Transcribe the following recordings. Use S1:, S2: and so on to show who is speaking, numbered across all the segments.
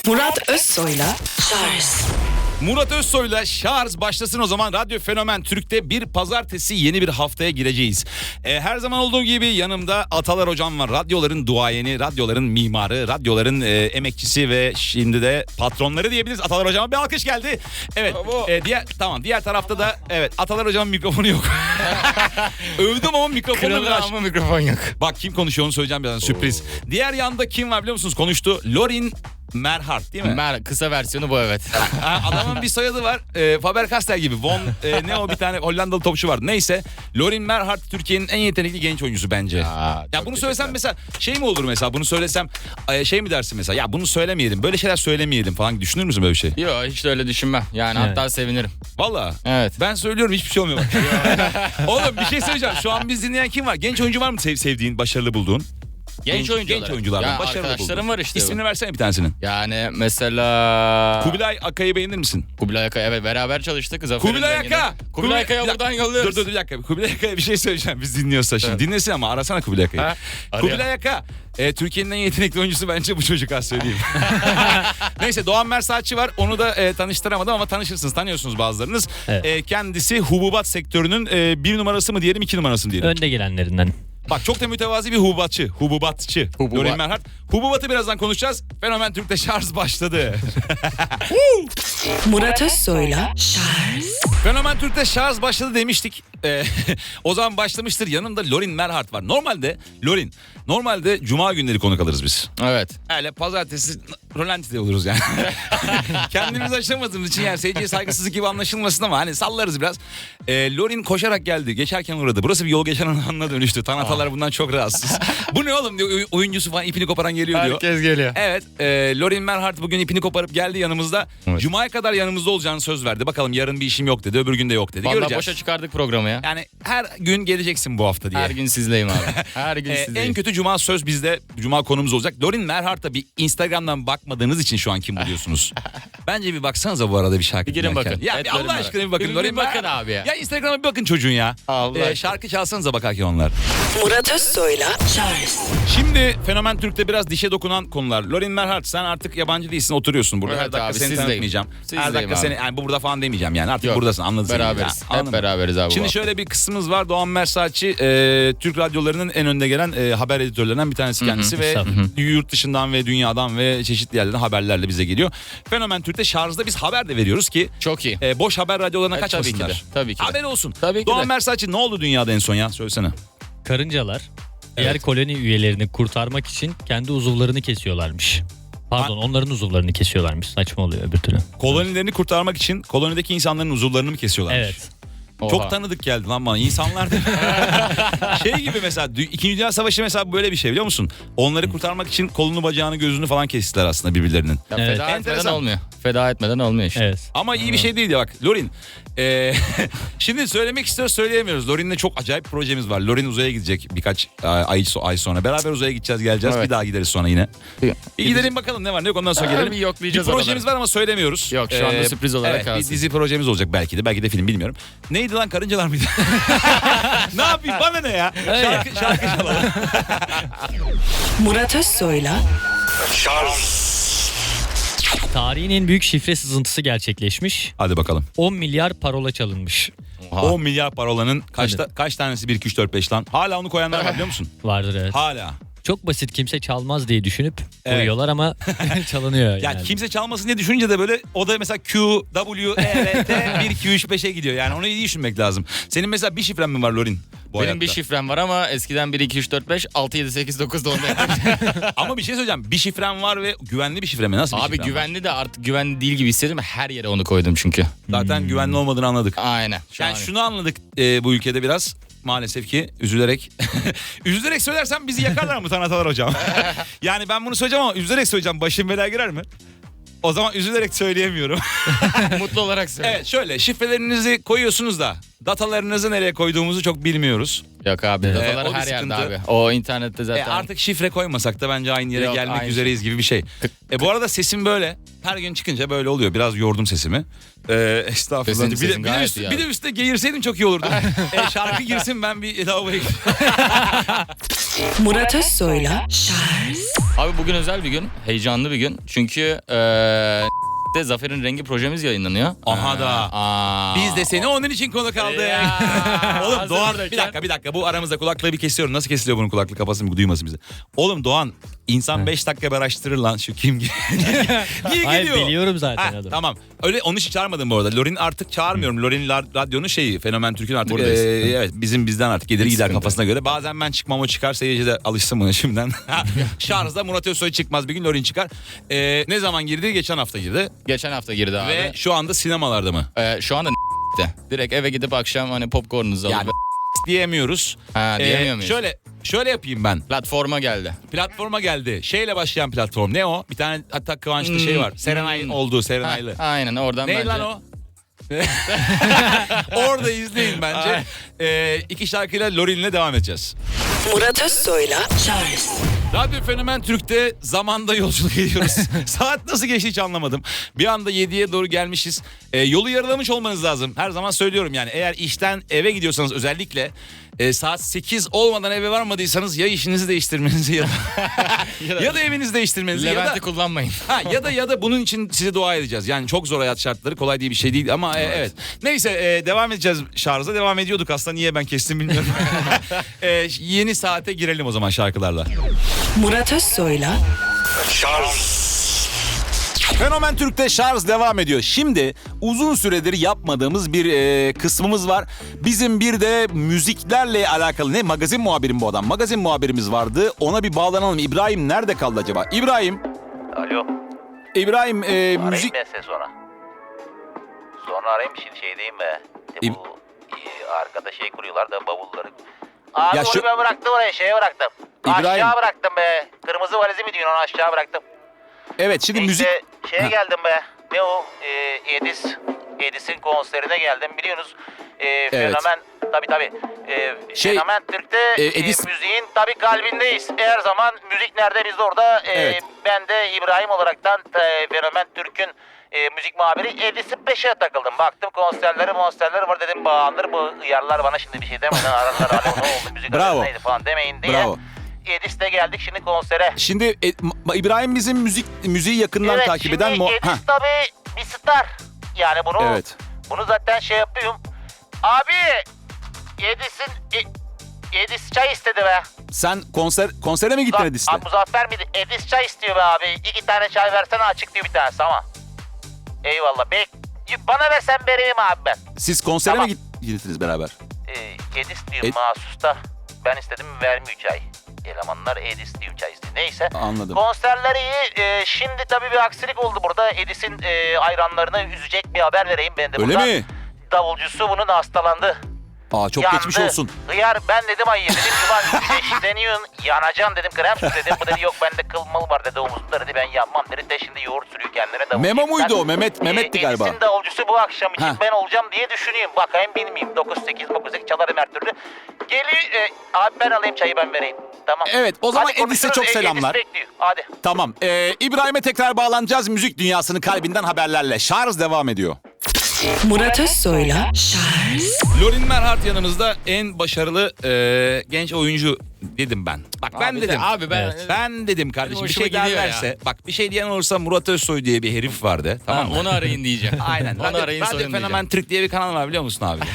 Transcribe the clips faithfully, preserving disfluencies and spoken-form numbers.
S1: Murat Özsoy'la Şarj.
S2: Murat Özsoy'la Şarj başlasın o zaman. Radyo Fenomen Türk'te bir pazartesi yeni bir haftaya gireceğiz. Ee, her zaman olduğu gibi yanımda Atalar Hocam var. Radyoların duayeni, radyoların mimarı, radyoların e, emekçisi ve şimdi de patronları diyebiliriz. Atalar Hocam'a bir alkış geldi. Evet. E, diğer tamam. Diğer tarafta da evet Atalar Hocam'ın mikrofonu yok. Övdüm ama mikrofonu
S3: Kralı
S2: biraz.
S3: ama mikrofon yok.
S2: Bak kim konuşuyor onu söyleyeceğim birazdan. Sürpriz. Diğer yanda kim var biliyor musunuz? Konuştu. Lorin Merhart değil mi?
S3: Mer kısa versiyonu bu, evet.
S2: Ha, adamın bir soyadı var. E, Faber-Castell gibi. Von e, ne o bir tane Hollandalı topçu vardı. Neyse. Lorin Merhart Türkiye'nin en yetenekli genç oyuncusu bence.
S3: Aa,
S2: ya bunu söylesem mesela şey mi olur mesela? Bunu söylesem e, şey mi dersin mesela? Ya bunu söylemeyelim. Böyle şeyler söylemeyelim falan. Düşünür müsün böyle bir şey?
S3: Yok, hiç de öyle düşünmem. Yani
S4: Evet.
S3: hatta sevinirim.
S2: Valla.
S3: Evet.
S2: Ben söylüyorum hiçbir şey olmuyor. Oğlum bir şey söyleyeceğim. Şu an biz dinleyen kim var? Genç oyuncu var mı sev sevdiğin, başarılı bulduğun?
S3: Genç, oyuncu
S2: Genç oyunculardan
S3: ya
S2: başarılı
S3: arkadaşlarım
S2: bulduğun.
S3: var işte.
S2: İsmini versene bir tanesinin.
S3: Yani mesela...
S2: Kubilay Aka'yı beğenir misin?
S3: Kubilay Aka, evet, beraber çalıştık. Zafer'in
S2: Kubilay
S3: renginde.
S2: Aka!
S3: Kubilay Aka'ya
S2: Kubilay-
S3: buradan
S2: Dur
S3: yolluyoruz.
S2: dur bir dakika. Kubilay Aka'ya bir şey söyleyeceğim biz dinliyorsa şimdi.
S3: Evet.
S2: Dinlesin ama arasana Kubilay Aka'yı.
S3: Ha, arıyor.
S2: Kubilay Aka. E, Türkiye'nin en yetenekli oyuncusu bence bu çocuk, az söyleyeyim. Neyse Doğan Mersaatçı var. Onu da e, tanıştıramadım ama tanışırsınız. Tanıyorsunuz bazılarınız.
S4: Evet.
S2: E, kendisi hububat sektörünün e, bir numarası mı diyelim, iki numarası mı diyelim.
S4: Önde gelenlerinden.
S2: Bak çok da mütevazi bir hububatçı. Hububatçı.
S3: Hububat.
S2: Lorin Merhart. Hububatı birazdan konuşacağız. Fenomen Türk'te Şarj başladı.
S1: Murat Özsoy'la Şarj.
S2: Fenomen Türk'te Şarj başladı demiştik. Ee, o zaman başlamıştır. Yanımda Lorin Merhart var. Normalde Lorin, normalde cuma günleri konuk alırız biz.
S3: Evet.
S2: Öyle pazartesi rolantide oluruz yani. Kendimiz aşamadığımız için yani seyirciye saygısızlık gibi anlaşılmasın ama hani sallarız biraz. Ee, Lorin koşarak geldi. Geçerken uğradı. Burası bir yol geçen anına dönüştü. Tanatalar bundan çok rahatsız. Bu ne oğlum diyor. oy- Oyuncusu falan ipini koparan geliyor diyor.
S3: Herkes geliyor.
S2: Evet, e, Lorin Merhart bugün ipini koparıp geldi yanımızda.
S3: Evet.
S2: Cuma'ya kadar yanımızda olacağını söz verdi. Bakalım yarın bir işim yok dedi, öbür gün de yok dedi.
S3: Vallahi
S2: Göreceğiz.
S3: boşa çıkardık programı ya.
S2: Yani her gün geleceksin bu hafta diye.
S3: Her gün sizleyim abi. Her gün
S2: Ee,
S3: sizleyim.
S2: en kötü cuma söz bizde. Cuma konumuz olacak. Lorin Merhart'a bir Instagram'dan bakmadığınız için şu an kim buluyorsunuz? Bence bir baksanıza bu arada bir şarkı
S3: Bir girin
S2: dinlerken.
S3: bakın.
S2: Ya
S3: Evet,
S2: bir
S3: Lorin
S2: Allah
S3: Merhart.
S2: aşkına bir bakın.
S3: Bir-
S2: Lorin
S3: bir bakın
S2: Merhart.
S3: abi ya.
S2: Ya Instagram'a bir bakın çocuğun ya.
S3: Allah
S2: Ee,
S3: aşkına.
S2: şarkı çalsanıza bakarken onlar.
S1: Murat Özsoy'la Şarj.
S2: Şimdi Fenomen Türk'te biraz dişe dokunan konular. Lorin Merhart, sen artık yabancı değilsin, oturuyorsun burada.
S3: Evet
S2: Her dakika
S3: abi,
S2: seni
S3: sizdeyim.
S2: tanıtmayacağım. Her
S3: Sizdeyim
S2: dakika
S3: abi.
S2: seni yani bu burada falan demeyeceğim yani. Artık
S3: Yok,
S2: buradasın, anladın sen.
S3: beraberiz.
S2: Ya,
S3: Hep
S2: anladın mı?
S3: beraberiz abi. bu
S2: Şimdi
S3: hafta.
S2: şöyle bir kısmımız var. Doğan Mersaatçı e, Türk radyolarının en önde gelen e, haber editörlerinden bir tanesi kendisi ve
S4: Estağfurullah.
S2: yurt dışından ve dünyadan ve çeşitli yerlerden haberlerle bize geliyor. Fenomen Türk'te Şarj'da biz haber de veriyoruz ki
S3: Çok iyi.
S2: e, boş haber radyolarına
S3: E,
S2: kaçmasınlar.
S3: tabii ki de, tabii ki de.
S2: Haber olsun.
S3: Tabii ki
S2: Doğan
S3: de.
S2: Mersaatçı ne oldu dünyada en son ya? Söylesene.
S4: Karıncalar diğer koloni üyelerini kurtarmak için kendi uzuvlarını kesiyorlarmış. Pardon, onların uzuvlarını kesiyorlarmış. Saçma oluyor öbür türlü.
S2: Kolonilerini kurtarmak için kolonideki insanların uzuvlarını mı kesiyorlarmış?
S4: Evet.
S3: Oha.
S2: Çok tanıdık geldi lan bana. İnsanlar da şey gibi mesela Dü- İkinci Dünya Savaşı mesela böyle bir şey biliyor musun? Onları kurtarmak için kolunu bacağını gözünü falan kestiler aslında birbirlerinin.
S3: Ya
S4: Evet.
S3: feda etmeden
S2: Enteresan.
S3: olmuyor. Feda etmeden olmuyor işte.
S4: Evet.
S2: Ama iyi bir şey değil ya bak Lorin. e, şimdi söylemek istiyoruz söyleyemiyoruz. Lorin'le çok acayip projemiz var. Lorin uzaya gidecek birkaç e, ay, ay sonra. Beraber uzaya gideceğiz geleceğiz.
S3: Evet.
S2: Bir daha gideriz sonra yine.
S3: Bir-
S2: Bir gidelim bakalım ne var ne yok ondan sonra
S3: Ha,
S2: gelelim.
S3: bir yoklayacağız
S2: Bir projemiz
S3: oraları.
S2: var ama söylemiyoruz.
S3: Yok, şu anda sürpriz olarak
S2: evet,
S3: kalsın.
S2: bir dizi projemiz olacak belki de. Belki de film bilmiyorum. Neydi lan, karıncalar mıydı? Ne yapayım bana ne ya? Şarkı, şarkı çalalım.
S1: Murat Özsoy'la
S4: Tarihin en büyük şifre sızıntısı gerçekleşmiş.
S2: Hadi bakalım.
S4: on milyar parola çalınmış.
S3: Oha.
S2: on milyar parolanın kaçta, kaç tanesi bir iki üç dört beş lan? Hala onu koyanlar var biliyor musun?
S4: Vardır evet.
S2: Hala.
S4: Çok basit, kimse çalmaz diye düşünüp
S2: Evet.
S4: koyuyorlar ama çalınıyor.
S2: Ya
S4: yani.
S2: kimse çalmasın diye düşününce de böyle o da mesela Q, W, E, R, T bir iki üç beşe gidiyor. Yani onu iyi düşünmek lazım. Senin mesela bir şifren mi var Lorin? Bu
S3: Benim
S2: hayatta?
S3: bir şifrem var ama eskiden bir iki üç dört beş altı yedi sekiz dokuz da onda yapıyordum.
S2: Ama bir şey söyleyeceğim. Bir şifren var ve güvenli bir şifre mi? Nasıl bir
S3: Abi
S2: şifren var?
S3: güvenli de artık güvenli değil gibi hissettim. Her yere onu koydum çünkü.
S2: Zaten güvenli olmadığını anladık.
S3: Aynen. Şu
S2: Yani
S3: an-
S2: şunu anladık e, bu ülkede biraz. Maalesef ki üzülerek. Üzülerek söylersem bizi yakarlar mı Tanatalar hocam? Yani ben bunu söyleyeceğim ama üzülerek söyleyeceğim. Başım belaya girer mi? O zaman üzülerek söyleyemiyorum.
S3: mutlu olarak söyle.
S2: Evet şöyle şifrelerinizi koyuyorsunuz da datalarınızı nereye koyduğumuzu çok bilmiyoruz.
S3: Yok abi,
S2: Ee,
S3: datalar
S2: o bir
S3: her yerde
S2: sıkıntı.
S3: abi. O internette zaten.
S2: E artık şifre koymasak da bence aynı yere
S3: Yok,
S2: gelmek
S3: aynı
S2: üzereyiz gibi bir şey. E bu arada sesim böyle. Her gün çıkınca böyle oluyor. Biraz yordum sesimi. Ee, estağfurullah.
S3: Sesin-
S2: bir, de,
S3: sesin
S2: bir, de
S3: gayet
S2: üstü,
S3: iyi
S2: bir de
S3: abi.
S2: üstte geğirseydim çok iyi olurdu. e, şarkı girsin ben bir lavaboya gideyim.
S1: Murat Özsoy'la Şarj.
S3: Abi bugün özel bir gün, heyecanlı bir gün. Çünkü eee de Zafer'in Rengi projemiz yayınlanıyor.
S2: Aha da.
S3: Aa.
S2: Biz de seni onun için konuk aldık.
S3: Ya.
S2: Oğlum
S3: Hazır
S2: Doğan
S3: buradayken.
S2: bir dakika bir dakika bu aramızda kulaklığı bir kesiyorum. Nasıl kesiliyor bunun kulaklığı kapasın duymasın bizi. Oğlum Doğan insan beş dakika bir araştırır lan şu kim Niye
S4: Hayır,
S2: geliyor?
S4: biliyorum zaten
S2: Ha,
S4: adam.
S2: tamam. Öyle onun için çağırmadım bu arada. Lorin artık çağırmıyorum. Lorin la- radyonun şeyi Fenomen Türk'ün artık
S3: Buradayız.
S2: e, evet bizim bizden artık gelir
S3: Hiç
S2: gider
S3: sıkıntı
S2: kafasına göre. Bazen ben çıkmam o çıkar seyirci de alışsın buna şimdiden. Şarjda Murat Özsoy çıkmaz bir gün Lorin çıkar. E, ne zaman girdi? Geçen hafta girdi.
S3: Geçen hafta girdi abi.
S2: Ve şu anda sinemalarda mı?
S3: Eee, şu anda de. Direkt eve gidip akşam hani popcornunuzu alıp
S2: Yani diyemiyoruz.
S3: ha,
S2: Ee,
S3: diyemiyor muyuz?
S2: Şöyle şöyle yapayım ben.
S3: Platforma geldi.
S2: Platforma geldi. Şeyle başlayan platform. Ne o? Bir tane hatta Kıvanç'ta
S3: Hmm.
S2: şey var. Serenay
S3: Hmm.
S2: olduğu
S3: Ha,
S2: Serenaylı.
S3: aynen oradan
S2: Ne
S3: bence.
S2: lan o? Orada izleyin bence. Ee, iki şarkıyla Lorin'le devam edeceğiz.
S1: Murat Özsoy'la Charles
S2: Radyo Fenomen Türk'te zamanda yolculuk ediyoruz. Saat nasıl geçti hiç anlamadım. Bir anda yediye doğru gelmişiz. Ee, yolu yarılamış olmanız lazım. Her zaman söylüyorum yani eğer işten eve gidiyorsanız özellikle e, saat sekiz olmadan eve varmadıysanız ya işinizi değiştirmenizi ya da, ya da evinizi değiştirmenizi ya da
S3: Levent'i kullanmayın.
S2: ha, ya da ya da bunun için size dua edeceğiz. Yani çok zor hayat şartları, kolay değil bir şey değil ama e, evet. Neyse e, devam edeceğiz şarja. Devam ediyorduk aslında, niye ben kestim bilmiyorum. E, yeni saate girelim o zaman şarkılarla.
S1: Murat Özsoy'la
S2: Fenomen Türk'te şarj devam ediyor. Şimdi uzun süredir yapmadığımız bir e, kısmımız var. Bizim bir de müziklerle alakalı, ne magazin muhabirim bu adam. Magazin muhabirimiz vardı. Ona bir bağlanalım. İbrahim nerede kaldı acaba? İbrahim.
S5: Alo.
S2: İbrahim e,
S5: Arayayım
S2: müzik...
S5: ben seni sonra. Sonra arayayım şimdi şeydeyim be. İşte
S2: İb-
S5: bu e, arkada şey kuruyorlar da bavulları. Abi
S2: Ya
S5: onu
S2: şu-
S5: ben bıraktım oraya şeye bıraktım.
S2: İbrahim.
S5: Aşağı bıraktım be. Kırmızı valizi mi diyorsun onu aşağı bıraktım.
S2: Evet şimdi
S5: İşte
S2: müzik...
S5: şeye
S2: Ha.
S5: geldim be. Ne o? E, Edis. Edis'in konserine geldim biliyorsunuz. E, fenomen tabii tabii. E,
S2: Şey,
S5: fenomen Türk'te
S2: e,
S5: e,
S2: Edis-
S5: müziğin tabii kalbindeyiz. Her zaman müzik nerede biz de orada. E,
S2: Evet.
S5: Ben de İbrahim olaraktan e, fenomen Türk'ün e, müzik muhabiri Edis'in peşine takıldım. Baktım konserleri monsterleri var dedim bağlanır bu hıyarlar bana şimdi bir şey demeden ararlar. Alo ne oldu müzik
S2: Bravo.
S5: arası neydi falan demeyin diye.
S2: Bravo.
S5: Edis'te geldik şimdi konsere.
S2: Şimdi e, Ma- İbrahim bizim müzik müziği yakından
S5: Evet,
S2: takip
S5: şimdi
S2: eden... Mu-
S5: Edis
S2: Hah,
S5: tabii bir star. Yani bunu
S2: Evet.
S5: bunu zaten şey yapıyorum. Abi Edis'in e, Edis çay istedi be.
S2: Sen konser konsere mi gittin
S5: Muza-
S2: Edis'te?
S5: Abi, Muzaffer miydi? Edis çay istiyor be abi. İki tane çay versene açık diyor bir tanesi ama. Eyvallah. Bek bana versen vereyim abi ben.
S2: Siz konsere
S5: Tamam.
S2: mi git- gittiniz beraber?
S5: Ee, Edis diyor
S2: Ed-
S5: mahsus da. Ben istedim vermiyor çay. Elemanlar Edis diyor çay istiyor. Neyse.
S2: Anladım.
S5: Konserler iyi. Ee, şimdi tabii bir aksilik oldu burada. Edis'in e, hayranlarını üzecek bir haber vereyim ben de
S2: Öyle
S5: buradan.
S2: mi?
S5: Davulcusu bunun hastalandı.
S2: Aa çok
S5: Yandı.
S2: geçmiş olsun.
S5: Hıyar ben dedim ay dedim ulan güneşleniyorsun yanacaksın dedim krem sür dedim. Bu dedi yok bende kıl mıl var dedi omuzunda dedi ben yapmam dedi de şimdi yoğurt sürüyor kendine davulcu.
S2: Memo muydu
S5: Ben,
S2: o? Mehmet-
S5: e,
S2: Mehmet'ti galiba.
S5: Edis'in davulcusu bu akşam için
S2: Ha.
S5: ben olacağım diye düşünüyorum. Bakayım bilmeyeyim dokuz sekiz dokuz sekiz çalarım her türlü. Geliyor e, abi ben alayım çayı ben vereyim. Tamam.
S2: Evet, o zaman
S5: Hadi
S2: Edis'e
S5: konuşuruz.
S2: çok
S5: E,
S2: selamlar.
S5: Edis bekliyor hadi.
S2: Tamam. Ee, İbrahim'e tekrar bağlanacağız. Müzik dünyasının kalbinden haberlerle. Şarj devam ediyor.
S1: Murat Özsoy'la Charles
S2: Lorin Merhart yanımızda, en başarılı e, genç oyuncu dedim ben. Bak ben
S3: Abi de-
S2: dedim.
S3: abi ben-
S2: Evet. Ben dedim kardeşim, bir
S3: hoşuma
S2: şey
S3: gidiyor
S2: derlerse.
S3: ya.
S2: Bak bir şey diyen olursa Murat Özsoy diye bir herif vardı. Tamam
S3: Tamam
S2: mı?
S3: onu arayın diyeceğim.
S2: Aynen.
S3: Onu
S2: Radyo,
S3: arayın
S2: Radyo
S3: sorun
S2: Fenomen
S3: diyeceğim.
S2: Türk diye bir kanal var biliyor musun abi?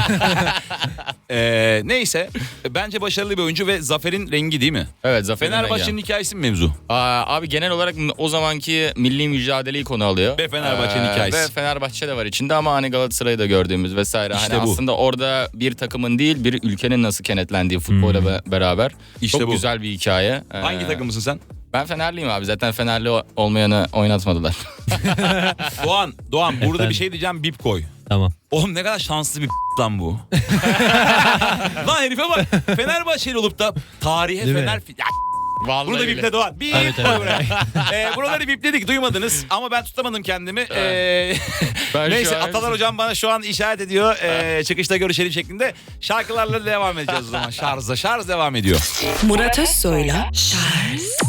S2: Ee, neyse. Bence başarılı bir oyuncu ve Zafer'in rengi değil mi?
S3: Evet Zafer'in
S2: Fenerbahçe'nin
S3: rengi.
S2: hikayesi mi mevzu?
S3: Aa, abi genel olarak o zamanki milli mücadeleyi konu alıyor.
S2: Ve Fenerbahçe'nin hikayesi.
S3: Ve Fenerbahçe de var içinde ama hani Galatasaray'ı da gördüğümüz vesaire.
S2: İşte
S3: hani
S2: bu.
S3: aslında orada bir takımın değil bir ülkenin nasıl kenetlendiği futbola be- beraber.
S2: İşte
S3: Çok
S2: bu.
S3: güzel bir hikaye. Ee,
S2: Hangi takımısın sen?
S3: Ben Fenerliyim abi. Zaten Fenerli o- olmayanı oynatmadılar.
S2: Doğan, Doğan burada
S4: Efendim?
S2: bir şey diyeceğim, bip koy.
S4: Tamam.
S2: Oğlum ne kadar şanslı bir lan bu. Lan herife bak. Fenerbahçeli olup da tarihe
S4: Değil mi?
S2: Fener... Ya,
S3: Vallahi
S2: bunu da
S3: öyle.
S2: biple Doğan. Bip
S4: Evet,
S2: koy
S4: evet.
S2: buraya. Ee, buraları bipledik, duymadınız ama ben tutamadım kendimi. Ee,
S3: Ben
S2: neyse
S3: şu an-
S2: Atalar hocam bana şu an işaret ediyor. Ee, çıkışta görüşelim şeklinde. Şarkılarla devam edeceğiz o zaman. Şarjda şarj devam ediyor.
S1: Murat Özsoy'la Charles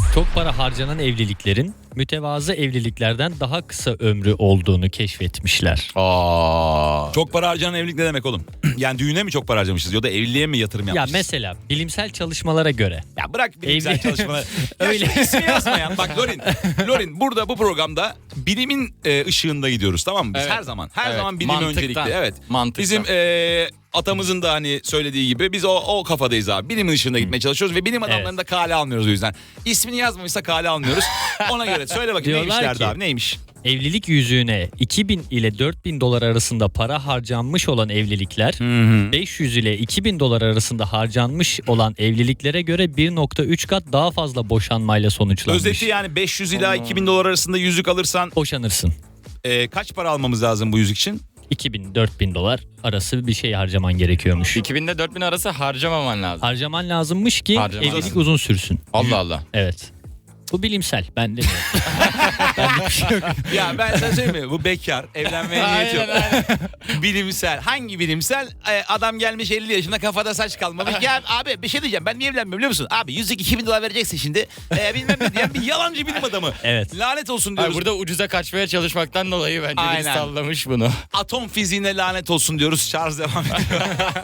S4: Çok para harcanan evliliklerin mütevazı evliliklerden daha kısa ömrü olduğunu keşfetmişler.
S3: Aa.
S2: Çok para harcanan evlilik ne demek oğlum? Yani düğüne mi çok para harcamışız ya da evliliğe mi yatırım
S4: Ya
S2: yapmışız?
S4: mesela bilimsel çalışmalara göre.
S2: Ya bırak bilimsel
S4: Evli-
S2: çalışmaları. Ya
S4: Öyle.
S2: şu ismi yazmayan. Bak Lorin. Lorin burada bu programda bilimin e, ışığında gidiyoruz, tamam mı? Biz
S3: Evet.
S2: her zaman. Her
S3: Evet.
S2: zaman bilim
S3: Mantıktan.
S2: öncelikli. Evet.
S3: Mantıktan.
S2: Bizim e, atamızın da hani söylediği gibi biz o, o kafadayız abi. Bilimin ışığında gitmeye çalışıyoruz ve bilim adamlarını
S4: Evet.
S2: da kale almıyoruz o yüzden. İsmini yazmamışsa kale almıyoruz. Ona göre söyle bakayım neymiş
S4: Diyorlar
S2: derdi
S4: ki-
S2: abi, neymiş?
S4: Evlilik yüzüğüne iki bin ile dört bin dolar arasında para harcanmış olan evlilikler beş yüz ile iki bin dolar arasında harcanmış olan evliliklere göre bir nokta üç kat daha fazla boşanmayla sonuçlanmış.
S2: Özeti yani beş yüz ila iki bin dolar arasında yüzük alırsan
S4: Boşanırsın.
S2: e, kaç para almamız lazım bu yüzük için?
S4: iki bin dört bin dolar arası bir şey harcaman gerekiyormuş.
S3: iki bin ile dört bin arası harcamaman lazım.
S4: Harcaman lazımmış ki
S3: Harcaman
S4: evlilik
S3: lazım.
S4: uzun sürsün.
S3: Allah Allah.
S4: Evet. Bu bilimsel. Ben demiyorum. Benlik bir şey yok.
S2: Ya ben sana söyleyeyim mi? Bu bekar, evlenmeye niyeti yok. Bilimsel. Hangi bilimsel? Ee, adam gelmiş elli yaşında, kafada saç kalmamış. Ya abi bir şey diyeceğim, ben niye evlenmiyorum biliyor musun? Abi yüzük iki bin dolar vereceksin şimdi. Ee, bilmem ne diyen bir yalancı bilim adamı.
S4: Evet.
S2: Lanet olsun
S3: Ay,
S2: diyoruz.
S3: burada ucuza kaçmaya çalışmaktan dolayı bence biri
S2: Aynen.
S3: sallamış bunu.
S2: Atom fiziğine lanet olsun diyoruz. Charles devam ediyor.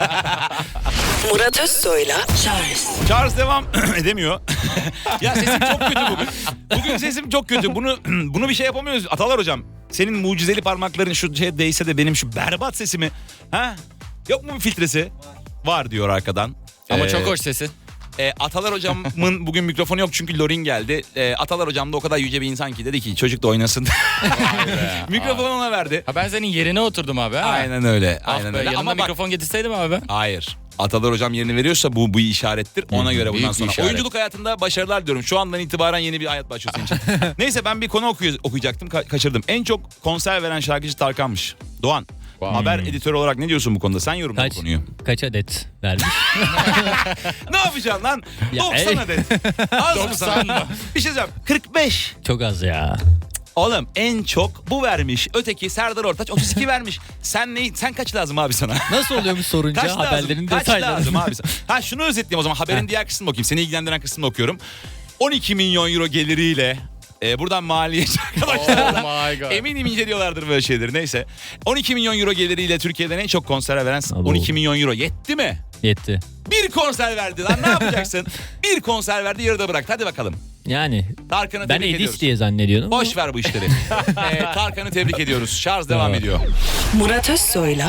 S1: Murat Özsoy'la Charles
S2: Charles devam edemiyor. Ya sesim çok kötü bugün. Bugün sesim çok kötü. Bunu bunu bir şey yapamıyoruz. Atalar hocam, senin mucizeli parmakların şu şeye değse de benim şu berbat sesimi. Ha? Yok mu bir filtresi? Var diyor arkadan.
S3: Ama
S2: Ee,
S3: çok hoş sesi.
S2: E, Atalar hocamın bugün mikrofonu yok çünkü Lorin geldi. E, Atalar hocam da o kadar yüce bir insan ki dedi ki çocuk da oynasın. Mikrofonu ona verdi.
S3: Ha ben senin yerine oturdum abi ha.
S2: Aynen öyle.
S3: Ah
S2: Aynen
S3: be,
S2: öyle.
S3: yanına
S2: Ama bak,
S3: mikrofon getirseydim abi.
S2: hayır. Atalar hocam yerini veriyorsa bu bu işarettir. Ona göre
S3: büyük
S2: bundan
S3: bir
S2: sonra.
S3: işaret.
S2: Oyunculuk hayatında başarılar diliyorum. Şu andan itibaren yeni bir hayat başlıyor senin için. Neyse ben bir konu okuy- okuyacaktım. Ka- kaçırdım. En çok konser veren şarkıcı Tarkan'mış. Doğan.
S3: Wow.
S2: Haber editörü olarak ne diyorsun bu konuda? Sen yorumla bu
S4: Kaç,
S2: konuyu.
S4: kaç adet vermiş?
S2: Ne yapacaksın lan?
S4: Ya,
S2: doksan
S4: ey.
S2: adet. Az mı
S3: doksan
S2: sana?
S3: mı?
S2: Bir şey diyeceğim. kırk beş.
S4: Çok az ya.
S2: Oğlum en çok bu vermiş. Öteki Serdar Ortaç otuz iki vermiş. Sen ne? Sen kaç lazım abi sana?
S4: Nasıl oluyormuş sorunca
S2: Kaç
S4: haberlerin
S2: lazım? Kaç
S4: detayları.
S2: lazım abi sana? Ha şunu özetleyeyim o zaman. Haberin
S4: Ha.
S2: diğer kısmını okuyayım. Seni ilgilendiren kısmını okuyorum. on iki milyon euro geliriyle e, buradan maliyeci arkadaşlar.
S3: Oh my god.
S2: Eminim inceliyorlardır böyle şeyleri. Neyse. on iki milyon euro geliriyle Türkiye'den en çok konser veren
S4: Abo.
S2: on iki milyon euro. Yetti mi?
S4: Yetti.
S2: Bir konser verdi lan, ne yapacaksın? Bir konser verdi, yarıda bıraktı. Hadi bakalım.
S4: Yani
S2: Tarkan'ı
S4: ben
S2: tebrik ediyoruz.
S4: Edis diye zannediyordum.
S2: Boş ver bu işleri. ee, Tarkan'ı tebrik ediyoruz. Şarj devam
S4: Tamam.
S2: ediyor.
S1: Murat Özsoy'la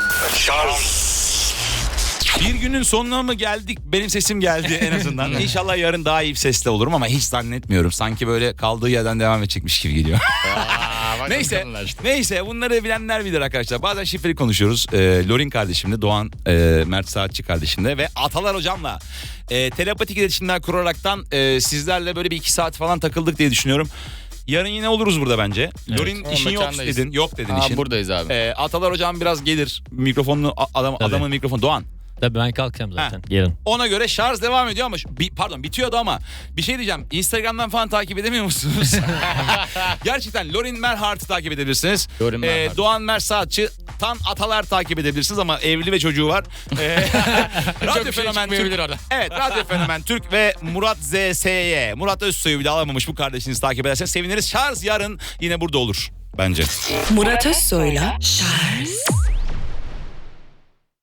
S2: Bir günün sonuna mı geldik? Benim sesim geldi en azından. İnşallah yarın daha iyi bir sesle olurum ama hiç zannetmiyorum. Sanki böyle kaldığı yerden devam edecekmiş gibi geliyor.
S3: Aa, bak
S2: Neyse,
S3: bakalım işte.
S2: neyse bunları bilenler bilir arkadaşlar. Bazen şifreli konuşuyoruz. Ee, Lorin kardeşimle, Doğan e, Mert Saatçi kardeşimle ve Atalar hocamla e, telepatik iletişimler kuraraktan e, sizlerle böyle bir iki saat falan takıldık diye düşünüyorum. Yarın yine oluruz burada bence.
S4: Evet.
S2: Lorin
S3: O
S2: işin yok
S3: mekandayız.
S2: dedin. Yok dedin
S3: Aa,
S2: işin.
S3: buradayız abi.
S2: Ee, Atalar hocam biraz gelir. Mikrofonunu a- adam,
S4: Tabii.
S2: adamın mikrofonu Doğan.
S4: Tabii ben kalkacağım zaten. Yarın.
S2: Ona göre şarj devam ediyor ama şu- bi- pardon bitiyordu ama bir şey diyeceğim. Instagram'dan falan takip edemiyor musunuz? Gerçekten Lorin Merhart'ı takip edebilirsiniz.
S3: Lorin Merhart.
S2: Doğan Mersaatçı Tan Atalar takip edebilirsiniz ama evli ve çocuğu var. Ee, Radyo
S3: Çok bir şey
S2: Fenomen
S3: çıkmayabilir
S2: Türk.
S3: orada.
S2: Evet, Radyo Fenomen Türk ve Murat Z S Y. Murat Özsoy'u bir de alamamış bu kardeşinizi takip ederseniz seviniriz. Şarj yarın yine burada olur bence.
S1: Murat Özsoy'la Charles